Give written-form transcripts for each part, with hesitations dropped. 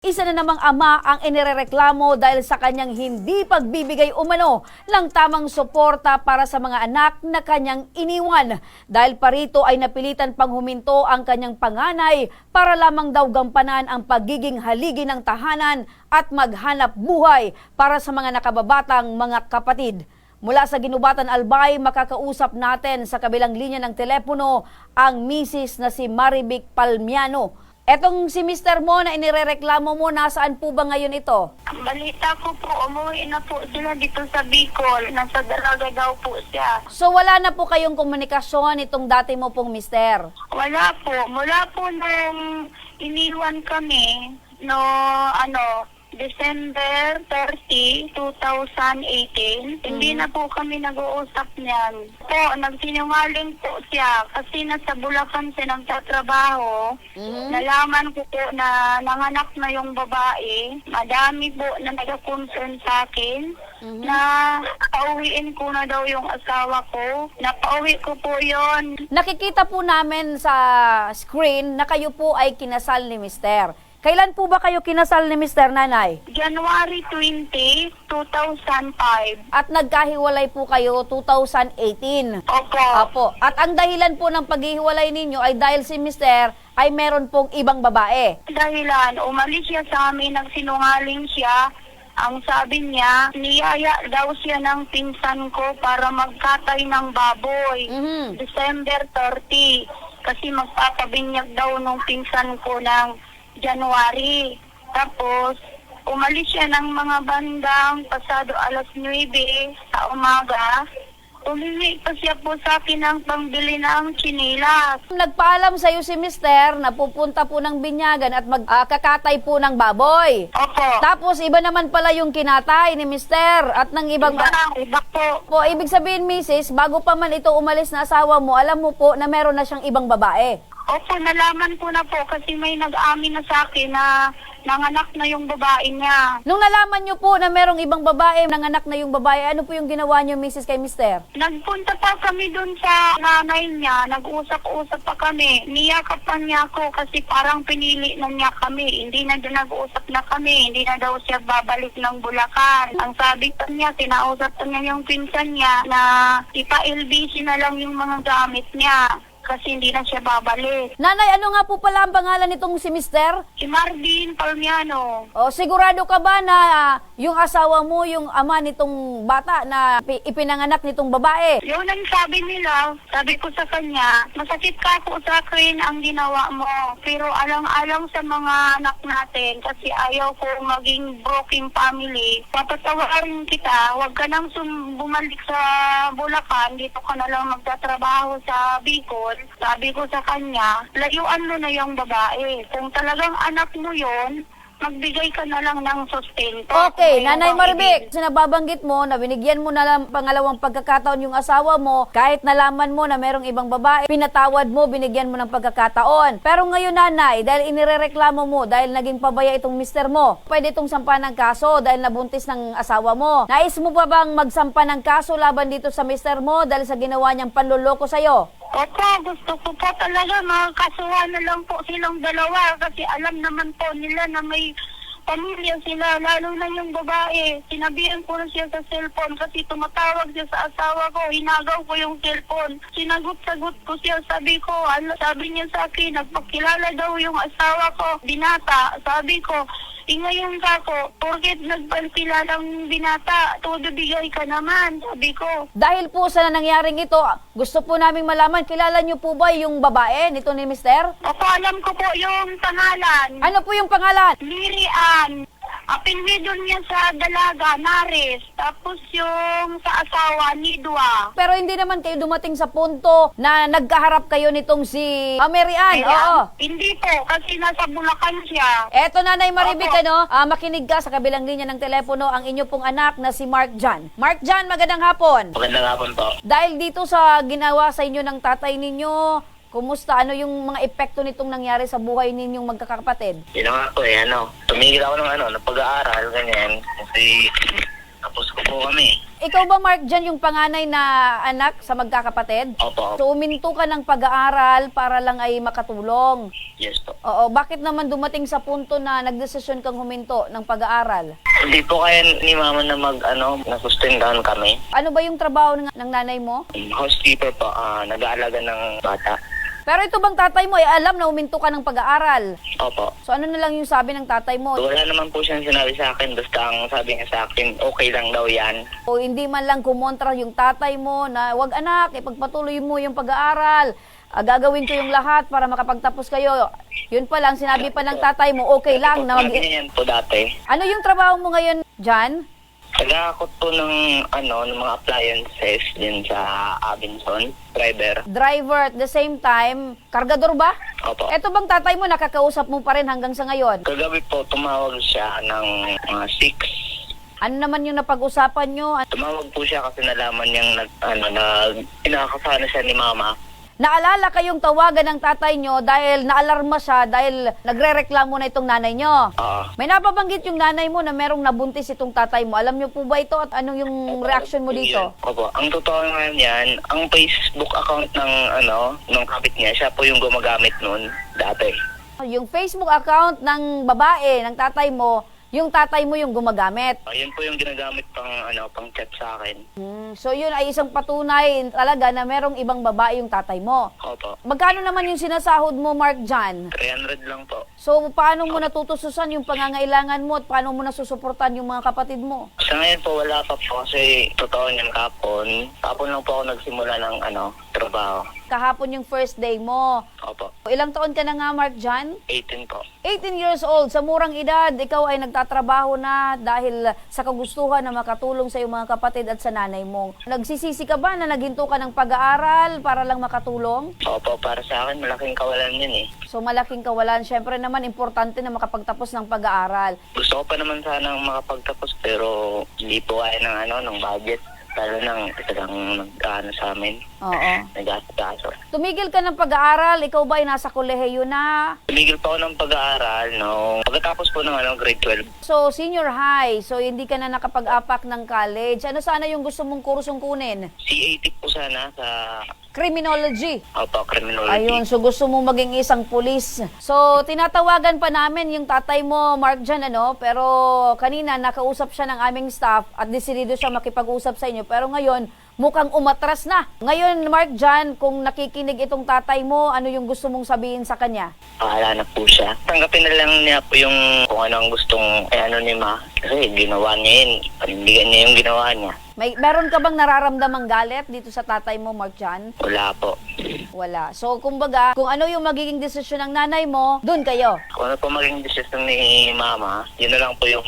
Isa na namang ama ang inirereklamo dahil sa kanyang hindi pagbibigay umano ng tamang suporta para sa mga anak na kanyang iniwan. Dahil parito ay napilitan pang huminto ang kanyang panganay para lamang daw gampanan ang pagiging haligi ng tahanan at maghanap buhay para sa mga nakababatang mga kapatid. Mula sa Ginubatan Albay, makakausap natin sa kabilang linya ng telepono ang misis na si Marivic Palmiano. Etong si Mr. mo na inirereklamo mo, nasaan po ba ngayon ito? Balita ko po, umuwi na po sila dito sa Bicol. Nasa Dalaga daw po siya. So wala na po kayong komunikasyon itong dati mo pong mister? Wala po. Mula po nung iniwan kami, December 30, 2018, hindi na po kami nag-uusap niyan. Po, nagsinungaling po siya kasi nasa Bulacan siya nagtatrabaho. Nalaman ko po na nanganak na yung babae. Madami po na nag-concern sa akin na pauwiin ko na daw yung asawa ko. Napauwi ko po yon. Nakikita po namin sa screen na kayo po ay kinasal ni mister. Kailan po ba kayo kinasal ni Mr. Nanay? January 20, 2005. At nagkahiwalay po kayo 2018. Opo. Apo. At ang dahilan po ng paghihiwalay ninyo ay dahil si Mr. ay meron pong ibang babae. Dahilan, umalis siya sa amin, nagsinungaling siya. Ang sabi niya, niyaya daw siya ng pinsan ko para magkatay ng baboy. December 30. Kasi magpapabinyag daw nung pinsan ko ng January. Tapos, umalis siya ng mga bandang pasado alas 9 sa umaga. Umingi pa siya po sa akin ng pangbili ng chinilas. Nagpaalam sa iyo si Mr. na pupunta po ng binyagan at magkakatay po ng baboy. Opo. Tapos iba naman pala yung kinatay ni Mr. at ng ibang... Iba po. Po, ibig sabihin, Mrs., bago pa man ito umalis na asawa mo, alam mo po na meron na siyang ibang babae. Opo, nalaman ko na po kasi may nag-amin na sa akin na nanganak na yung babae niya. Nung nalaman niyo po na merong ibang babae, nanganak na yung babae, ano po yung ginawa niyo, Mrs., kay Mr.? Nagpunta pa kami dun sa nanay niya, nag-usap-usap pa kami. Niyakapan niya ako kasi parang pinili na niya kami. Hindi na doon nag-usap na kami, hindi na daw siya babalik ng Bulacan. Ang sabi pa niya, kinausap pa niya yung pinsan niya na ipa-LBC na lang yung mga gamit niya. Kasi hindi na siya babalik. Nanay, ano nga po pala ang pangalan nitong si Mr.? Si Marvin Palmiano. O, sigurado ka ba na yung asawa mo, yung ama nitong bata na ipinanganak nitong babae? Yun ang sabi nila, sabi ko sa kanya, masakit ka po sa akin ang ginawa mo. Pero alang-alang sa mga anak natin kasi ayaw ko maging broken family. Papatawarin kita, huwag ka nang bumalik sa Bulacan, dito ka na lang magtatrabaho sa Bicol. Sabi ko sa kanya, layuan mo na yung babae. Kung talagang anak mo yon, magbigay ka na lang ng sustento. Okay, Nanay Marivic, sinababanggit mo na binigyan mo na lang pangalawang pagkakataon yung asawa mo, kahit nalaman mo na merong ibang babae, pinatawad mo, binigyan mo ng pagkakataon. Pero ngayon, Nanay, dahil inirereklamo mo, dahil naging pabaya itong mister mo, pwede itong sampa ng kaso dahil nabuntis ng asawa mo. Nais mo pa bang magsampa ng kaso laban dito sa mister mo dahil sa ginawa niyang panluloko sa'yo? Opo, gusto ko po talaga makakasuhan na lang po silang dalawa kasi alam naman po nila na may pamilya sila, lalo na yung babae. Sinabihan ko na siya sa cellphone kasi tumatawag siya sa asawa ko, hinagaw ko yung cellphone. Sinagot-sagot ko siya, sabi ko, sabi niya sa akin, nagpakilala daw yung asawa ko, binata. Sabi ko, ngayon kako, porket nagpalkilalang binata, todo bigay ka naman, sabi ko. Dahil po sa nangyaring ito, gusto po naming malaman, kilala niyo po ba yung babae nito ni mister? Opo, alam ko po yung pangalan. Ano po yung pangalan? Lirian. Apelyido niya sa Dalaga, Nares. Tapos yung sa asawa, Nidwa. Pero hindi naman kayo dumating sa punto na nagkaharap kayo nitong si Mary Ann. Oo. Hindi po, kasi nasa Bulacan siya. Eto, Nanay Marivic, Opo. makinig ka sa kabilang linya ng telepono ang inyo pong anak na si Mark John. Mark John, magandang hapon. Magandang hapon po. Dahil dito sa ginawa sa inyo ng tatay ninyo, kumusta? Ano yung mga epekto nitong nangyari sa buhay ninyong magkakapatid? Yun na nga po tumigil ako ng ng pag-aaral, ganyan. Kasi tapos ko po kami. Ikaw ba, Mark, dyan yung panganay na anak sa magkakapatid? Opo. So, uminto ka ng pag-aaral para lang ay makatulong. Yes po. Oo, bakit naman dumating sa punto na nagdesisyon kang huminto ng pag-aaral? Hindi po kaya ni mama na nasustendahan kami. Ano ba yung trabaho ng nanay mo? Housekeeper po, nag-aalaga ng bata. Pero ito bang tatay mo ay alam na huminto ka ng pag-aaral? Opo. So ano na lang yung sabi ng tatay mo? Wala naman po siyang sinabi sa akin, basta ang sabi niya sa akin, okay lang daw yan. O hindi man lang kumontra yung tatay mo na wag anak, ipagpatuloy mo yung pag-aaral. Gagawin ko yung lahat para makapagtapos kayo. Yun pa lang, sinabi pa ng tatay mo, okay lang na Sabi niya yan po dati. Ano yung trabaho mo ngayon, Jan? Nag-aakot po ng mga appliances din sa Abenson, driver. Driver at the same time, kargador ba? Opo. Eto bang tatay mo, nakakausap mo pa rin hanggang sa ngayon? Kagabi po, tumawag siya ng mga 6. Ano naman yung napag-usapan nyo? Tumawag po siya kasi nalaman niyang pinakakasana siya ni mama. Naalala kayong tawagan ng tatay nyo dahil naalarma siya dahil nagre-reklamo na itong nanay nyo. Oo. May napabanggit yung nanay mo na merong nabuntis itong tatay mo. Alam nyo po ba ito at anong yung reaction mo dito? Opo. Ang totoo ngayon yan, ang Facebook account ng kapit niya, siya po yung gumagamit nun dati. Yung Facebook account ng babae, ng tatay mo, yung tatay mo yung gumagamit. Ayun po yung ginagamit pang chat sa akin. So yun ay isang patunay talaga na merong ibang babae yung tatay mo. Opo. Magkano naman yung sinasahod mo, Mark Jan? 300 lang po. So paano mo natutususan yung pangangailangan mo at paano mo nasusuportan yung mga kapatid mo? Sa ngayon po wala pa po kasi totoo niyan kapon. Kapon lang po ako nagsimula ng trabaho. Kahapon yung first day mo. Opo. Ilang taon ka na nga, Mark Jan? 18 po. 18 years old, sa murang edad, ikaw ay nagtatrabaho na dahil sa kagustuhan na makatulong sa iyong mga kapatid at sa nanay mo. Nagsisisi ka ba na naghinto ka ng pag-aaral para lang makatulong? Opo, para sa akin malaking kawalan yun eh. So malaking kawalan. Siyempre naman, importante na makapagtapos ng pag-aaral. Gusto ko pa naman sanang makapagtapos pero hindi po kaya ng budget. Lalo nang talagang sa amin. Oo. Nag-aso. Tumigil ka ng pag-aaral, ikaw ba ay nasa kolehiyo na? Tumigil pa ako ng pag-aaral pagkatapos po ng grade 12. So, senior high. So, hindi ka na nakapag-apak ng college. Ano sana yung gusto mong kursong kunin? C80 po sana sa Criminology. Opo, criminology. Ayun, so gusto mo maging isang pulis. So, tinatawagan pa namin yung tatay mo, Mark Jan, pero kanina nakausap siya ng aming staff at desidido siya makipag-usap sa inyo. Pero ngayon, mukhang umatras na. Ngayon, Mark Jan, kung nakikinig itong tatay mo, ano yung gusto mong sabihin sa kanya? Pahala na po siya. Tanggapin na lang niya po yung kung ano ang gustong ni Ma. Kasi ginawa niya yun. Panindigan niya yung ginawa niya. Meron ka bang nararamdamang galit dito sa tatay mo, Mark Jan? Wala po. Wala. So, kumbaga, kung ano yung magiging desisyon ng nanay mo, dun kayo. Kung ano po maging decision ni Mama, yun na lang po yung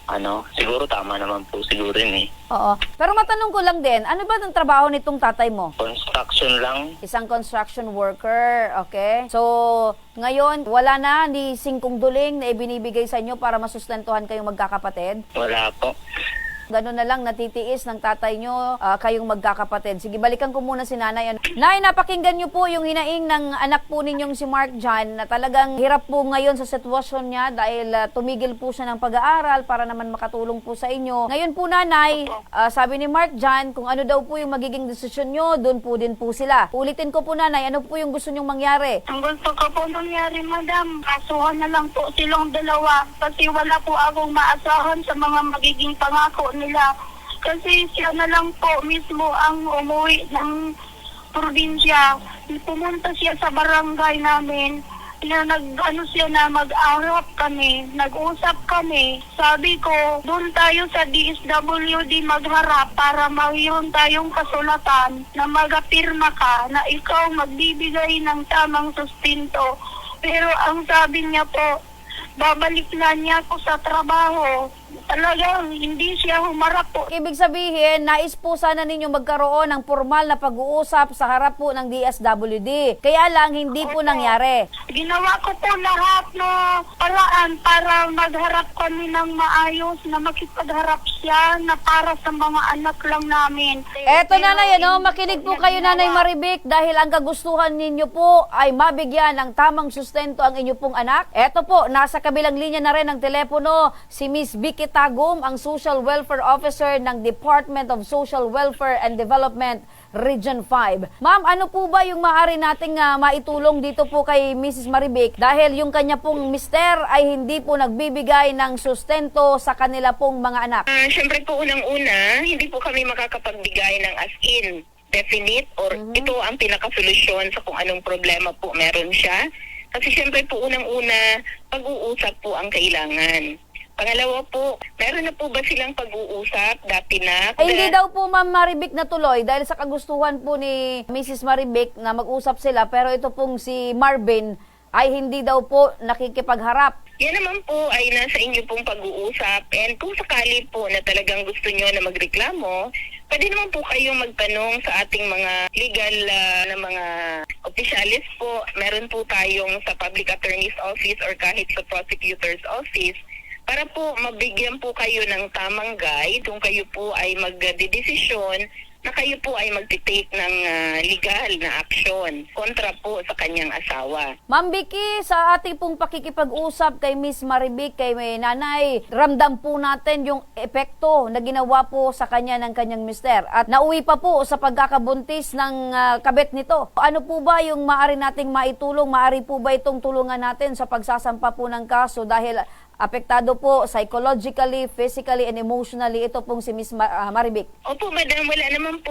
siguro tama naman po siguro yun eh. Oo. Pero matanong ko lang din, ano ba ang trabaho nitong tatay mo? Construction lang. Isang construction worker, okay? So, ngayon, wala na, hindi singkong duling na ibinibigay sa inyo para masustentuhan kayong magkakapatid? Wala po. Gano'n na lang natitiis ng tatay nyo, kayong magkakapatid. Sige, balikan ko muna si nanay. Nay, napakinggan nyo po yung hinaing ng anak po ninyong si Mark Jan na talagang hirap po ngayon sa sitwasyon niya dahil tumigil po siya ng pag-aaral para naman makatulong po sa inyo. Ngayon po, nanay, sabi ni Mark Jan, kung ano daw po yung magiging desisyon nyo, doon po din po sila. Ulitin ko po, nanay, ano po yung gusto nyong mangyari? Ang gusto ko po nangyari, madam, kasuhan na lang po silang dalawa kasi wala po akong maasahan sa mga magiging pangako nila. Kasi siya na lang po mismo ang umuwi ng probinsya. Pumunta siya sa barangay namin na siya na mag-arap kami, nag-usap kami. Sabi ko, doon tayo sa DSWD magharap para mayroon tayong kasulatan na magapirma ka na ikaw magbibigay ng tamang sustento. Pero ang sabi niya po, babalik na niya ako sa trabaho. Talagang hindi siya humarap po. Ibig sabihin, nais po sana ninyo magkaroon ng formal na pag-uusap sa harap po ng DSWD. Kaya lang, hindi po nangyari. Ginawa ko po lahat na paraan para magharap kami ng maayos, na makipagharap siya na para sa mga anak lang namin. Eto nanay, makinig po kayo nanay Maribik dahil ang kagustuhan ninyo po ay mabigyan ng tamang sustento ang inyo pong anak. Eto po, nasa kabilang linya na rin ng telepono si Miss Vic Vicky Tagum, ang Social Welfare Officer ng Department of Social Welfare and Development Region 5. Ma'am, ano po ba yung maaari nating maitulong dito po kay Mrs. Marivic dahil yung kanya pong mister ay hindi po nagbibigay ng sustento sa kanila pong mga anak? Siyempre po unang-una, hindi po kami makakapagbigay ng as in definite or ito ang pinakasolusyon sa kung anong problema po meron siya. Kasi siyempre po unang-una, pag-uusap po ang kailangan. Pangalawa po, meron na po ba silang pag-uusap dati na? Ay, hindi daw po Ma'am Marivic natuloy dahil sa kagustuhan po ni Mrs. Marivic na mag-usap sila pero ito pong si Marvin ay hindi daw po nakikipagharap. Yan naman po ay nasa inyo pong pag-uusap and kung sakali po na talagang gusto nyo na magreklamo, pwede naman po kayong magtanong sa ating mga legal na mga opisyalis po. Meron po tayong sa Public Attorney's Office or kahit sa Prosecutor's Office para po mabigyan po kayo ng tamang guide kung kayo po ay magdedesisyon na kayo po ay magtitake ng legal na aksyon kontra po sa kanyang asawa. Ma'am Vicky, sa ating pong pakikipag-usap kay Miss Marivic, kay may nanay, ramdam po natin yung epekto na ginawa po sa kanya ng kanyang mister. At nauwi pa po sa pagkakabuntis ng kabet nito. Ano po ba yung maaari nating maitulong? Maaari po ba itong tulungan natin sa pagsasampa po ng kaso dahil apektado po psychologically, physically, and emotionally ito pong si Miss Marivic? Opo, madam, wala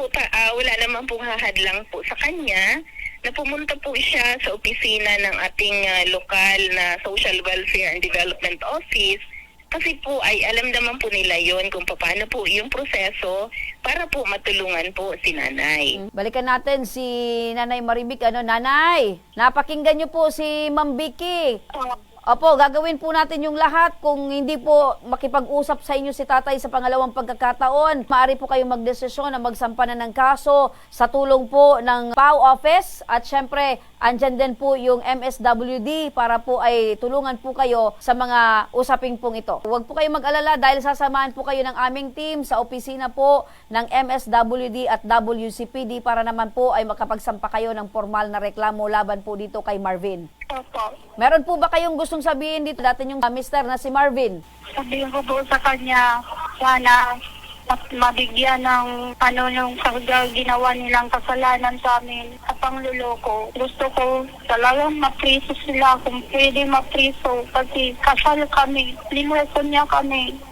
naman pong hahadlang po sa kanya na pumunta po siya sa opisina ng ating lokal na Social Welfare and Development Office kasi po ay alam naman po nila yon kung paano po yung proseso para po matulungan po si nanay. Balikan natin si Nanay Marivic. Nanay, napakinggan niyo po si Ma'am Vicky. Opo, gagawin po natin yung lahat. Kung hindi po makipag-usap sa inyo si tatay sa pangalawang pagkakataon, maaari po kayong magdesisyon na magsampa na ng kaso sa tulong po ng PAO office. At syempre, andyan din po yung MSWD para po ay tulungan po kayo sa mga usaping pong ito. Huwag po kayong mag-alala dahil sasamahan po kayo ng aming team sa opisina po ng MSWD at WCPD para naman po ay makapagsampa kayo ng formal na reklamo laban po dito kay Marvin. Opo. Meron po ba kayong gustong sabihin dito dati yung mister na si Marvin? Sabihin ko po sa kanya, sana mas mabigyan ng yung ginawa nilang kasalanan sa amin sa pangluloko. Gusto ko talagang mapriso sila kung pwede mapriso kasi kasal kami. Linuweko niya kami.